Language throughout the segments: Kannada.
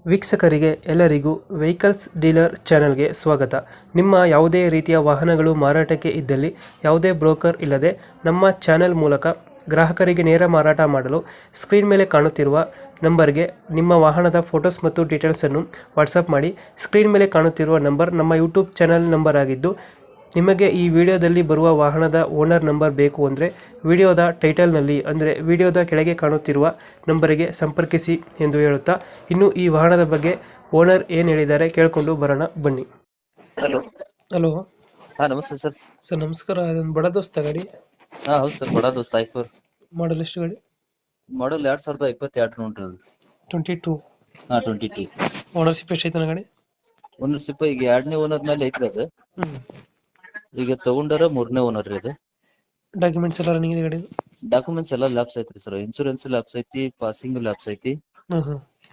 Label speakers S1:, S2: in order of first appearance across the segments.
S1: ವೀಕ್ಷಕರಿಗೆ ಎಲ್ಲರಿಗೂ ವೆಹಿಕಲ್ಸ್ ಡೀಲರ್ ಚಾನೆಲ್ಗೆ ಸ್ವಾಗತ. ನಿಮ್ಮ ಯಾವುದೇ ರೀತಿಯ ವಾಹನಗಳು ಮಾರಾಟಕ್ಕೆ ಇದ್ದಲ್ಲಿ ಯಾವುದೇ ಬ್ರೋಕರ್ ಇಲ್ಲದೆ ನಮ್ಮ ಚಾನೆಲ್ ಮೂಲಕ ಗ್ರಾಹಕರಿಗೆ ನೇರ ಮಾರಾಟ ಮಾಡಲು ಸ್ಕ್ರೀನ್ ಮೇಲೆ ಕಾಣುತ್ತಿರುವ ನಂಬರ್ಗೆ ನಿಮ್ಮ ವಾಹನದ ಫೋಟೋಸ್ ಮತ್ತು ಡೀಟೇಲ್ಸನ್ನು ವಾಟ್ಸಪ್ ಮಾಡಿ. ಸ್ಕ್ರೀನ್ ಮೇಲೆ ಕಾಣುತ್ತಿರುವ ನಂಬರ್ ನಮ್ಮ ಯೂಟ್ಯೂಬ್ ಚಾನೆಲ್ ನಂಬರ್ ಆಗಿದ್ದು, ನಿಮಗೆ ಈ ವಿಡಿಯೋದಲ್ಲಿ ಬರುವ ವಾಹನದ ಓನರ್ ನಂಬರ್ ಬೇಕು ಅಂದರೆ ವಿಡಿಯೋದ ಟೈಟಲ್ನಲ್ಲಿ ಅಂದರೆ ವಿಡಿಯೋದ ಕೆಳಗೆ ಕಾಣುತ್ತಿರುವ ನಂಬರಿಗೆ ಸಂಪರ್ಕಿಸಿ ಎಂದು ಹೇಳುತ್ತಾ, ಇನ್ನು ಈ ವಾಹನದ ಬಗ್ಗೆ ಓನರ್ ಏನು ಹೇಳಿದ್ದಾರೆ ಕೇಳಿಕೊಂಡು ಬರೋಣ ಬನ್ನಿ.
S2: ಹಲೋ.
S1: ಹಲೋ
S2: ನಮಸ್ತೆ ಸರ್.
S1: ಸರ್, ನಮಸ್ಕಾರ. ಅದೊಂದು ಬಡ ದೋಸ್ತ ಗಾಡಿ
S2: ಹೌದು ಸರ್, ಬಡ ದೋಸ್ತ್ ಐಫೋರ್
S1: ಮಾಡಲ್ ಎಷ್ಟು ಗಾಡಿ?
S2: ಮಾಡಲ್ 2022 ನೋಡ್ರಿ ಅದು.
S1: 22.
S2: 22
S1: ಓನರ್ಶಿಪ್ ಎಷ್ಟೈತೆ ಗಾಡಿ?
S2: ಓನರ್ಶಿಪ್ ಈಗ 2ನೇ ಓನರ್ ಮೇಲೆ ಐತ್ರಿ ಅದು.
S1: ಹ್ಞೂ.
S2: ಈಗ ತಗೊಂಡಾರ 3ನೇ ಓನರ್ ರೀ ಅದು.
S1: ಡಾಕ್ಯುಮೆಂಟ್ಸ್ ಎಲ್ಲ ರನ್ನಿಂಗ್ ಇದೆ ಗಾಡಿ?
S2: ಡಾಕ್ಯುಮೆಂಟ್ಸ್ ಎಲ್ಲ ಲ್ಯಾಪ್ಸ್ ಐತ್ರಿ ಸರ್. ಇನ್ಶೂರೆನ್ಸ್ ಲ್ಯಾಪ್ಸ್ ಐತಿ, ಪಾಸಿಂಗ್ ಲ್ಯಾಪ್ಸ್ ಐತಿ.
S1: ಹ್ಞೂ.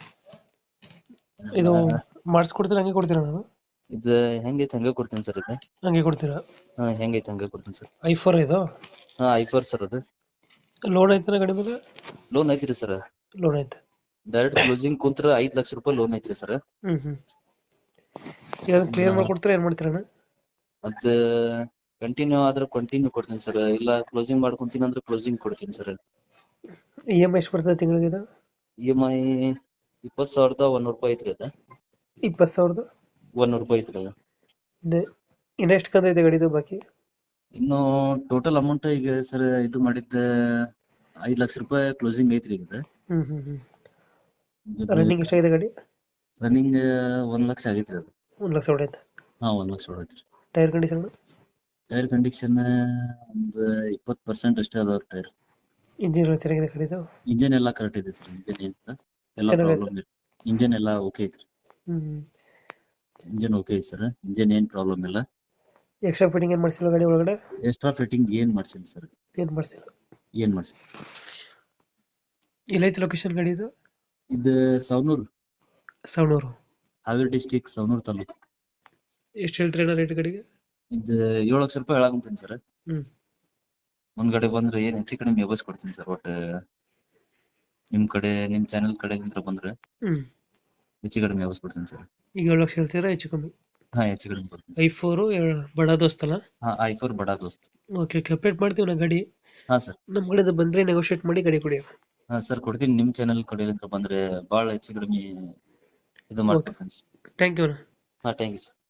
S1: ಇದು ಮಾಡಿಸ್ಕೊಡ್ತೀರಾ ಹಂಗೆ ಕೊಡ್ತೀರಾ? ನಾನು
S2: ಇದು ಹೆಂಗೈತಿ ಹಂಗೆ ಕೊಡ್ತೀನಿ ಸರ್. ಇದು
S1: ಹಂಗೆ ಕೊಡ್ತೀರಾ?
S2: ಹೆಂಗೈತಿ ಹಂಗೆ ಕೊಡ್ತೀನಿ ಸರ್.
S1: ಐಫೋರ್ ಇದು?
S2: ಐಫೋರ್ ಸರ್. ಅದು
S1: ಲೋನ್ ಐತೆ ಗಾಡಿ ಮೇಲೆ?
S2: ಲೋನ್ ಐತ್ರಿ ಸರ್.
S1: ಲೋನ್ ಐತೆ.
S2: ಡೈರೆಕ್ಟ್ ಕ್ಲೋಸಿಂಗ್ ಕುಂತ್ರ 5 ಲಕ್ಷ ರೂಪಾಯಿ ಲೋನ್ ಐತ್ರಿ ಸರ್.
S1: ಹ್ಞೂ. ಇದನ್ನು ಕ್ಲಿಯರ್ ಮಾಡ್ಕೊಡ್ತೀರಾ, ಏನು ಮಾಡ್ತೀರಾ?
S2: ಅದ್ ಕಂಟಿನ್ಯೂ ಆದ್ರೆ ಕಂಟಿನ್ಯೂ ಕೊಡ್ತೀನಿ ಸರ್, ಇಲ್ಲ ಕ್ಲೋಸಿಂಗ್ ಮಾಡ್ಕೊಂತೀನಿ ಅಂದ್ರೆ ಕ್ಲೋಸಿಂಗ್ ಕೊಡ್ತೀನಿ ಸರ್.
S1: EMI ಎಷ್ಟು ಬರ್ತದೆ ತಿಂಗಳಿಗೆ ಇದು?
S2: EMI 20,100 ರೂಪಾಯಿ ಐತ್ರಿ ಅದ.
S1: 20,000?
S2: 100 ರೂಪಾಯಿ ಐತ್ರಿ ಅದು.
S1: ಇನ್ನು ಎಷ್ಟು ಕಂತ ಇದೆ ಗಾಡಿದು ಬಾಕಿ?
S2: ಇನ್ನು ಟೋಟಲ್ ಅಮೌಂಟ್ ಈಗ ಸರ್ ಇದು ಮಾಡಿದ್ದ 5 ಲಕ್ಷ ರೂಪಾಯಿ ಕ್ಲೋಸಿಂಗ್ ಐತ್ರಿ ಈಗ.
S1: ಹ್ಞೂ. ರನ್ನಿಂಗ್ ಎಷ್ಟಾಗಿದೆ ಗಾಡಿ?
S2: ರನ್ನಿಂಗ್ 1 ಲಕ್ಷ ಆಗೈತ್ರಿ ಅದು.
S1: 1 ಲಕ್ಷ ಹೊಡೈತೆ?
S2: 1 ಲಕ್ಷ ಹೊಡೈತ್ರಿ.
S1: Tyre condition?
S2: ಟೈರ್ ಕಂಡೀಷನ್ ಒಂದು 20% ಅಷ್ಟೇ ಅದಾವ್ರಿ ಟೈರ್.
S1: ಇಂಜಿನ್ ಚೆನ್ನಾಗಿದೆ ಗಾಡಿದು?
S2: ಇಂಜಿನ್ ಎಲ್ಲ ಕರೆಕ್ಟ್ ಇದೆ ಸರ್. ಇಂಜಿನ್ ಏನಿಲ್ಲ, ಎಲ್ಲ ಪ್ರಾಬ್ಲಮ್ ಇಲ್ಲ. ಇಂಜಿನ್ ಎಲ್ಲ ಓಕೆ ಐತ್ರಿ. ಇಂಜಿನ್ ಓಕೆ ಐತಿ ಸರ್. ಇಂಜಿನ್ ಏನ್ ಪ್ರಾಬ್ಲಮ್ ಇಲ್ಲ.
S1: ಎಕ್ಸ್ಟ್ರಾ ಫಿಟ್ಟಿಂಗ್ ಏನು ಮಾಡಿಸಿಲ್ಲ ಗಾಡಿ ಒಳಗಡೆ?
S2: ಎಕ್ಸ್ಟ್ರಾ ಫಿಟ್ಟಿಂಗ್ ಏನ್ ಮಾಡ್ಸಿಲ್ಲ ಸರ್.
S1: ಏನು ಮಾಡಿಸಿಲ್ಲ?
S2: ಏನ್ ಮಾಡ್ಸಿಲ್ಲ.
S1: ಎಲ್ಲೈತೆ ಲೊಕೇಶನ್ ಗಾಡಿ ಇದು?
S2: ಇದು ಸವಣೂರು.
S1: ಸವಣೂರು?
S2: ಹಾವೇರಿ ಡಿಸ್ಟಿಕ್, ಸವಣೂರು ತಾಲೂಕು.
S1: ಎಷ್ಟು ಹೇಳ್ತೀರಾ ರೇಟ್ ಗಾಡಿಗೆ?
S2: ಇದು 7 ಲಕ್ಷ ರೂಪಾಯಿ ಹೇಳಾಕಂತೀನಿ ಸರ್. ಮುಂದ್ಗಡೆ ಬಂದ್ರೆ ಏನ್ ಹೆಚ್ಚು ಕಡಿಮೆ ವ್ಯವಸ್ಥೆ ಕೊಡ್ತೀನಿ ಸರ್. ಒಟ್ಟು ನಿಮ್ ಕಡೆ, ನಿಮ್ ಚಾನೆಲ್ ಕಡೆಗಿಂತ ಬಂದ್ರೆ ಹೆಚ್ಚು ಕಡಿಮೆ ವ್ಯವಸ್ಥೆ ಕೊಡ್ತೀನಿ ಸರ್.
S1: ಈಗ 7 ಲಕ್ಷ ಹೇಳ್ತೀರಾ? ಹೆಚ್ಚು ಕಮ್ಮಿ?
S2: ಹೆಚ್ಚು ಕಡಿಮೆ ಕೊಡ್ತೀನಿ.
S1: ಐಫೋರ್ ಬಡ ದೋಸ್ತಲ್ಲ?
S2: ಐಫೋರ್ ಬಡ ದೋಸ್ತ್.
S1: ಓಕೆ, ಅಪ್ಡೇಟ್ ಮಾಡ್ತೀವಿ ನಾ ಗಾಡಿ.
S2: ಸರ್.
S1: ನಮ್ಮ ಕಡೆಯಿಂದ ಬಂದ್ರೆ ನೆಗೋಷಿಯೇಟ್ ಮಾಡಿ ಗಾಡಿ ಕೊಡಿ.
S2: ಸರ್ ಕೊಡ್ತೀನಿ. ನಿಮ್ ಚಾನೆಲ್ ಕಡೆಗಿಂತ ಬಂದ್ರೆ ಬಹಳ ಹೆಚ್ಚು ಕಡಿಮೆ ಇದು ಮಾಡ್ಕೊಡ್ತೀನಿ.
S1: Thank you.
S2: Thank you sir.